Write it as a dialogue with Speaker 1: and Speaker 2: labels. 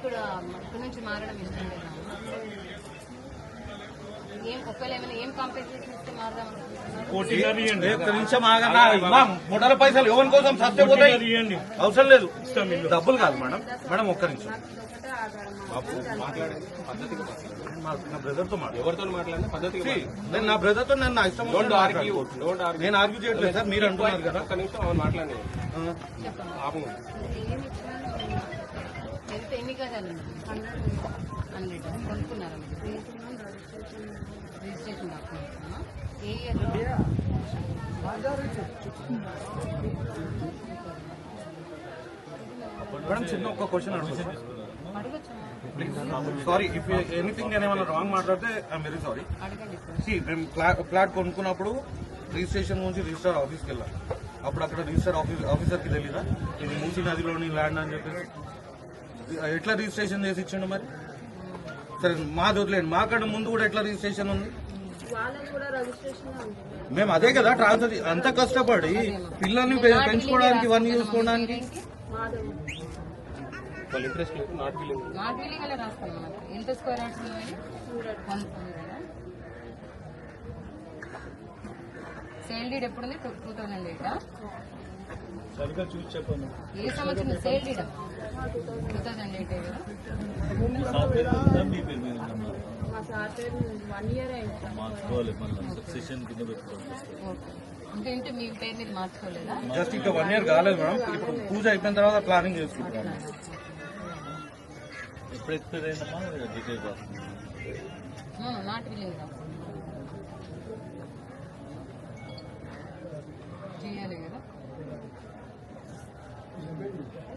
Speaker 1: ఇక్కడ నుంచి మారడం ఇష్టం లేదా? ఒకవేళ ఏమైనా ఏం కాంపెన్సేషన్ ఇస్తే మారదాం
Speaker 2: మూడల పైసలు ఎవరి కోసం సస్తే పోతాయి, అవసరం లేదు. డబ్బులు కాదు మేడం. మేడం ఒక్క నిమిషం నా బ్రదర్ తో ఎవరితో మాట్లాడినా పద్ధతి నేను నా బ్రదర్ తో నేను నా ఇష్టం నేను ఆర్గ్యూ చేయట్లేదు సార్. మీరు అంటున్నారు కదా. ఒక్క నిమిషం అవును మాట్లాడి
Speaker 1: ఎన్ని గజాలు కొనుక్కున్నారా? రిజిస్ట్రేషన్ డాక్యుమెంట్స్ ఏ ఇయర్?
Speaker 2: మేడం చిన్న ఒక్క క్వశ్చన్ అడుగుతాను. సారీ ఇఫ్ ఎనీథింగ్ నేను ఏమైనా రాంగ్ మాట్లాడితే ఐఎమ్ వెరీ సారీ. మేము ఫ్లాట్ కొనుక్కున్నప్పుడు రిజిస్ట్రేషన్ గురించి రిజిస్టర్ ఆఫీస్కి వెళ్ళాం. అప్పుడు అక్కడ రిజిస్టర్ ఆఫీసర్కి తెలీదా ఇది మూసీ నదిలోని ల్యాండ్ అని చెప్పేసి? ఎట్లా రిజిస్ట్రేషన్ చేసి ఇచ్చిండు మరి? సరే మాది వదిలేండి, మాకన్నా ముందు కూడా ఎట్లా రిజిస్ట్రేషన్ ఉంది? మేము అదే కదా ట్రాన్స్ఫర్ అంత కష్టపడి పిల్లల్ని పెంచుకోవడానికి ఇవన్నీ చూసుకోవడానికి
Speaker 1: సేల్ డీడ్ ఎప్పుడుంది? 2008
Speaker 3: సరిగ్గా చూసి చెప్పండి.
Speaker 1: ఏ సంవత్సరం సేల్ డీడ్? 2008 కదా.
Speaker 3: మీ పేరు మీద మార్చుకోవాలి, మళ్ళీ సక్సెషన్ కింద పెట్టుకోవాలి.
Speaker 1: అంటే మీ పేరు మీద మార్చుకోలేదా?
Speaker 2: జస్ట్ ఇంకా 1 year కాలేదు మేడం. ఇప్పుడు పూజ అయిపోయిన తర్వాత ప్లానింగ్ చేసుకుంటాం.
Speaker 3: ఎప్పుడు ఎక్స్పైర్ అయిందమ్మా డీటెయిల్
Speaker 1: నాట్ విల్లింగ్ చేయాలి కదా.